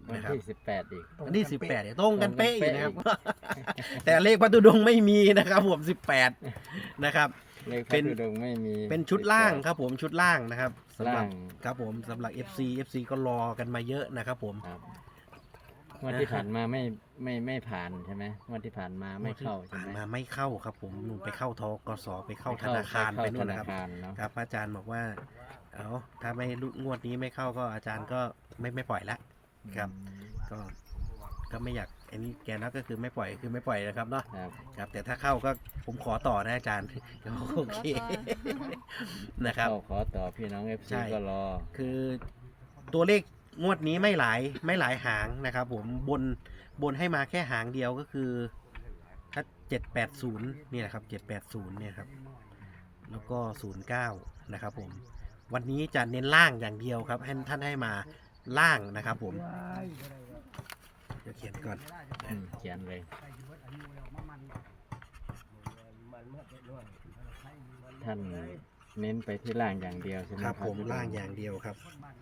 วันนะครับที่18อีกวันที่18เนี่ยตรงกันเป๊ะอยู่นะครับตรงกันเป๊ะแต่เลขพระธุดงค์ไม่มีนะครับผม18นะครับเลขพเป็ระนธุดงค์ไม่มีเป็นชุดล่างครับผมชุดล่างนะครับสำหรับล่างครับผมสำหรับ FC ก็รอกันมาเยอะนะครับผมครับงวดที่ผ่านมาไม่ผ่านใช่ไหมงวดที่ผ่านมาไม่เข้าใช่ไหมมาไม่เข้าครับผมหนูไปเข้าทกสไปเข้าธนาคารไปนู่นนะครับธาคารเนาะครับอาจารย์บอกว่าเอาถ้าไม่งวดนี้ไม่เข้าก็อาจารย์ก็ไม่ปล่อยละครับ ก็ไม่อยากอันนี้แกนะก็คือไม่ปล่อยคือไม่ปล่อยนะครับเนาะครับครับแต่ถ้าเข้าก็ผมขอต่อนะอาจารย์ โอเคนะครับขอต่อพี่น้อง FC ใช่ก็รอคือตัวเลขงวดนี้ไม่หลายหางนะครับผมบนให้มาแค่หางเดียวก็คือถ้า780นี่แหละครับ780เนี่ยครับแล้วก็09นะครับผมวันนี้จะเน้นล่างอย่างเดียวครับให้ท่านให้มาล่างนะครับผมเดี๋ยวเขียนก่อนเขียนเลย ท่านเน้นไปที่ล่างอย่างเดียวใช่ไหมครับผมล่างอย่างเดียวครับ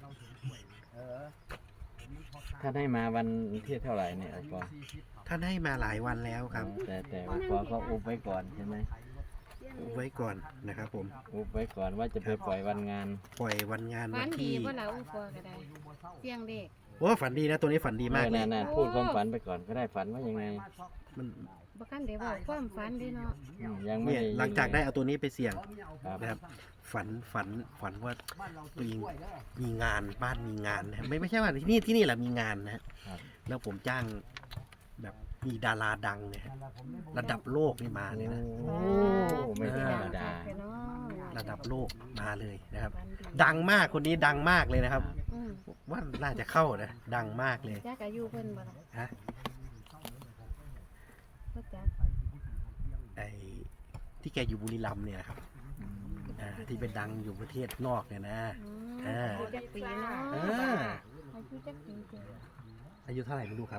ท่านให้มาวันที่เท่าไหร่เนี่ยปอท่านให้มาหลายวันแล้วครับแต่ปอก็อุบไว้ก่อนใช่ไหมไว้ก่อนนะครับผมอุบไว้ก่อนว่าจะไปปล่อยวันงานปล่อยวันงานฝัวันนดีที่ว่าเราอุปก็ได้เสียงเด็กว่าฝันดีนะตัวนี้ฝันดีมากเลยน่าพูดความฝันไปก่อนก็ได้ฝันว่ายังไงมันบ่กันได้บอกความฝันเด้เนาะยังไม่เนี่ยหลังจากได้เอาตัวนี้ไปเสี่ยงครับนะครับฝันว่าตัวเองมีงานบ้านมีงานนะครับไม่ใช่ว่าที่นี่แหละมีงานนะฮะครับแล้วผมจ้างแบบมีดาราดังเนี่ยฮะระดับโลกนี่มาเลยนะโอ้ไม่ธรรมดาเนาะระดับโลกมาเลยนะครับฝันดีดังมากคนนี้ดังมากเลยนะครับอืมว่าน่าจะเข้านะดังมากเลยจักอายุเพิ่นบ่ล่ะฮะบ่จักไอ้ที่แกอยู่บุรีรัมย์เนี่ยนะครับที่เป็นดังอยู่ประเทศนอกเนี่ยนะอายุจักปีเนาะอ่าอายุจักปีเจ้าอายุเท่าไหร่ไม่รู้ครับ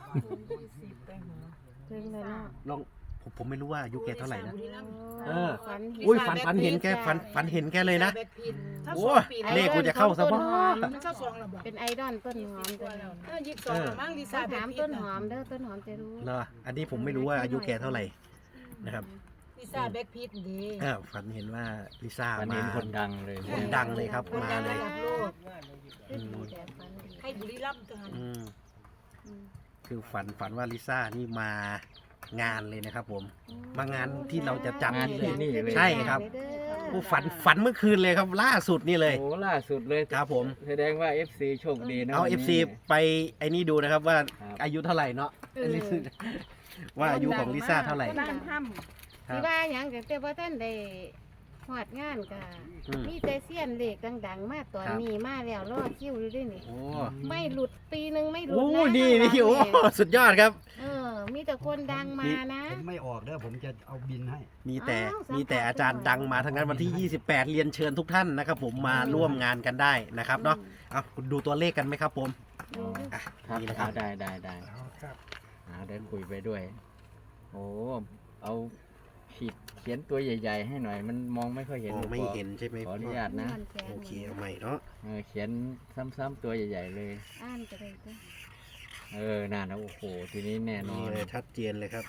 ถึงเลยเนาะลองผมไม่รู้ว่าอายุแกเท่าไหร่นะ เออฝันอุ้ยฝันเห็นแกฝันเห็นแกเลยนะ โอ้เลขกูจะเข้าซะบ้ามันเข้าสองแล้วบอกเป็นไอดอลต้นหอมตัวนี้ 22แล้วมั้งลิต้ซ่าองแบบถามพีต้ทนหอน่ะมเด้อต้นหอมจะรู้เนาะอันนี้ผมไม่รู้ว่าอายุแกเท่าไหร่นะครับลิซ่าแบ็คพีทดีฝันเห็นว่าลิซ่าฝันมาเห็นคนดังเลยคนดังเลยครับคนมาดังเลระยดับโลกเป็นดีแต่ฝันดีให้บุรีรัมย์กันอืมอืมคือฝันว่าลิซ่านี่มางานเลยนะครับผม มางานที่เราจะจัดงานที่นี่เลยใช่ครับ โอ้ฝันเมื่อคืนเลยครับล่าสุดนี่เลยโอ้ล่าสุดเลยครับผมแสดงว่า FC โชคดีนะเอาวันนี้ FC ไปไอ้นี่ดูนะครับว่าครับอายุเท่าไหร่เนาะว่าอายุของลิซ่าเท่าไหร่บ้านถ้ครับสิว่าหยังก็แต่ว่าท่านได้ฮอดงานก็อืมมีแต่เสี้ยนเหล็กดังๆ มาตอนครับนี้มาแล้วรอคิวอยู่ด้วยนี่โอ้ไม่หลุดปีหนึงไม่หลุดโอ้นะนี่นี่ข้างหโอ้ลังสุดยอดครับเออ มีแต่คนดังมานะผมไม่ออกเด้อผมจะเอาบินให้มีแต่อ้าวมีแต่อาจารย์ดังมาทั้งนั้นวันที่ 28 เรียนเชิญทุกท่านนะครับผมมาร่วมงานกันได้นะครับเนาะเอาดูตัวเลขกันไหมครับผมดูดิอ่ะครับนี่นะครับได้เดินคุยไปด้วย โอ้เอาเขียนตัวใหญ่ ๆ ให้หน่อย มันมองไม่ค่อยเห็นมองไม่เห็นใช่ไหมขออนุญาตนะม่วแขนโอเคเอาใหม่เนาะเขียนซ้ำๆตัวใหญ่ ๆ เลยอ่านก็ได้เด้อน่านะโอ้โห ทีนี้แน่นอนี่นเลยชัดเจนเลยครับ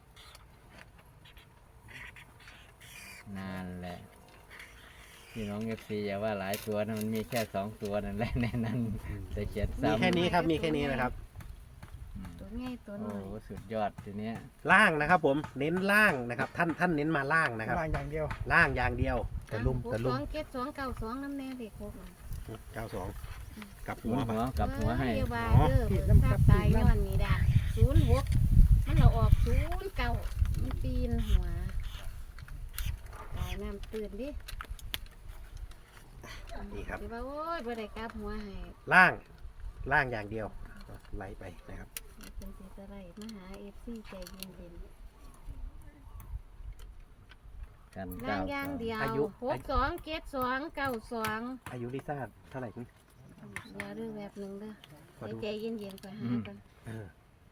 นานแหละพี่น้อง FC อย่าว่าหลายตัวนะมันมีแค่2 ตัวนั่นแหละในนั้นแต่เขียนมีซ้ำแค่นี้ครับมีแค่นี้นะครับตัวง่ายตัวโอ้น้อยโหสุดยอดทีเนี้ยล่างนะครับผมเน้นล่างนะครับ ท่านเน้นมาล่างนะครับล่างอย่างเดียวล่างอย่างเดียวแต่ลุ่มเก็ด292น้ำแน่เด็กพวกนั้น 92กลับหัหัววไปกับหัวให้เดี๋ยวว่าเด้อเบิ่งทราบตายย้อนนี่ได้06มันเราออก09มันปีนหัวตายน้ำตื่นดินี่ครับสิว่าโอ้ยบ่ได้กลับหัวให้ล่างอย่างเดียวไล่ไปนะครับเป็นสิสไลด์มาหา FC ใจเย็นกันๆล่างอย่างเดียวอายุ 62เก็ด292 อายุลิซ่าเท่าไหร่คุณเดี๋ยวเรื่องแบบหนึงเด้อขอดูใจเย็นๆไปหากันเออ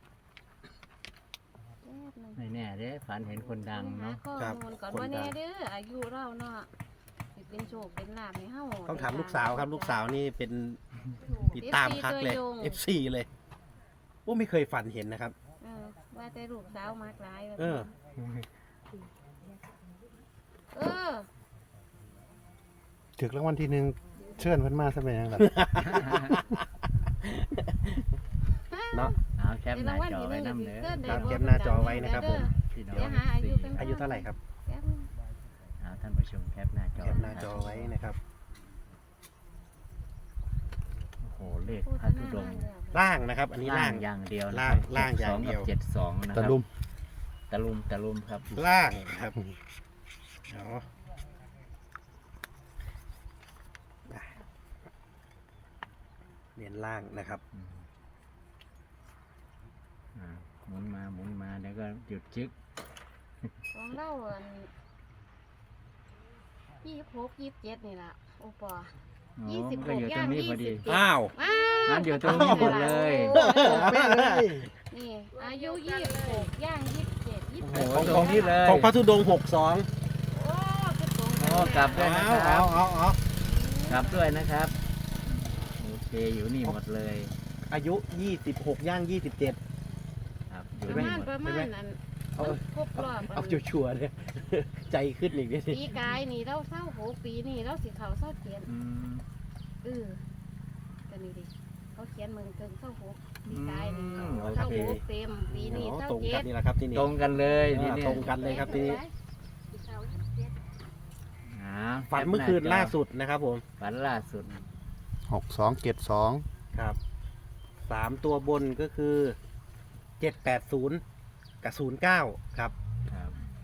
แป๊บหนึงไม่แน่เด้ฝันเห็นคนดังเนาะข้อครับมูลก่อนคนดังว่าแน่เด้ออายุเราเนาะสิเป็นโชคเป็นลาภให้เฮาต้องถามลูกสาวครับ ลูกสาวนี่เป็นติดตามคักเลย FC เลยอ้ไม่เคยฝันเห็นนะครับว่าแต่ลูกสาวมากหลายแบบเออเออถึกรางวัลที่หนึ่งเชิญเพิ่นมาซะเป็นหยังล่ะเนาะเอาแคปหน้าจอไว้น้ำเด้อครับแคปหน้าจอไว้นะครับผมพี่น้องเดี๋ยวหาอายุกันอายุเท่าไหร่ครับแป๊บนึงเอาท่านผู้ชมแคปหน้าจอแคปหน้าจอไว้นะครับโอ้โหเลขโฆษพระณาธุดงค์แล้วล่างนะครับ อันนี้ล่างอย่างเดียวนะล่างครับล่างอย่าง 62 เดียวกับ72นะคตะรับลุมตะลุมครับล่างครับเอาเน้นล่างนะครับอ่าหมุนมาเดี๋ยวก็หยุดจึ๊กของเราอัน26 27นี่ล่ะโอปอโอ้ 26 มันก็อยู่ตรงนี้พอดีอ้าวว้าวมันอยู่ตรงนี้หมดเลยโอ้แม่เลยนี่อายุ26ย่าง27 โอ้โห 28 ของตรงนี้เลยของพระธุดงค์62 โอ้คือตรงโอ้กลับด้วยนะครับเอากลับด้วยนะครับโอเคอยู่นี่หมดเลยอายุ 26 ย่าง 27 ครับอปยู่ระนี่มาณหมดประมาณนั้นเอามันครบรอบเอาชัวร์ๆเลยใจขึ้นอีกนิดนึงปีกายนี่เราเศร้าโหปีนี่เราสิเขาเศร้าเขียนอืมกันนี่ดิเขาเขียนมึงเกินเศร้าโหปีกายนี่โอเศร้าเคโหเต็มปีนี่อ๋อเศร้าตรงเจ็กันดนี่แหละครับที่นี่ตรงกันเลยนี่อ่าเนี่ยตรงกันเลยครับที่นี่อ่าฝันเมื่อคืนล่าสุดนะครับผมฝันล่าสุด 6272 ครับ3ตัวบนก็คือ 780 กับ 09 ครับครับ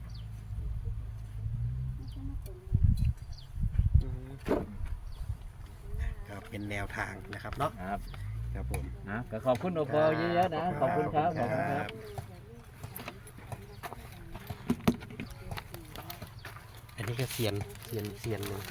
ครับเป็นแนวทางนะครับเนาะครับครับผมนะก็ขอบคุณโอปอลเยอะๆนะขอบคุณครับขอบคุณครับอันนี้ก็เซียนหนึ่ง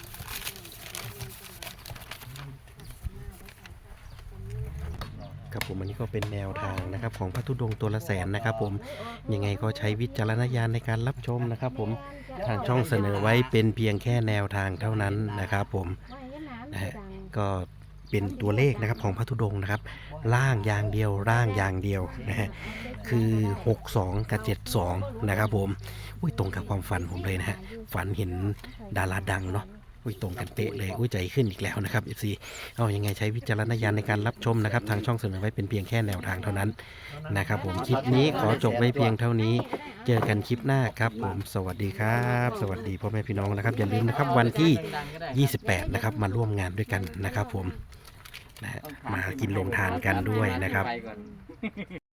ครับผมอันนี้ก็เป็นแนวทางนะครับของพระธุดงค์ตัวละแสนนะครับผมยังไงก็ใช้วิจารณญาณในการรับชมนะครับผมทางช่องเสนอไว้เป็นเพียงแค่แนวทางเท่านั้นนะครับผมนะฮะก็เป็นตัวเลขนะครับของพระธุดงค์นะครับล่างอย่างเดียวร่างอย่างเดียวนะฮะคือ62กับ72นะครับผมอุ้ยตรงกับความฝันผมเลยนะฮะฝันเห็นดาราดังเนาะอุ้ยตรงกันเป๊ะเลยอุ้ยใจขึ้นอีกแล้วนะครับ FC เอายังไงใช้วิจารณญาณในการรับชมนะครับทางช่องเสนอไว้เป็นเพียงแค่แนวทางเท่านั้นนะครับผมคลิปนี้ขอจบไว้เพียงเท่านี้เจอกันคลิปหน้าครับผมสวัสดีครับ สวัสดีพ่อแม่พี่น้องนะครับอย่าลืมนะครับวันที่ 28 นะครับมาร่วมงานด้วยกันนะครับผมนะฮะมากินโรงทานกันด้วยนะครับ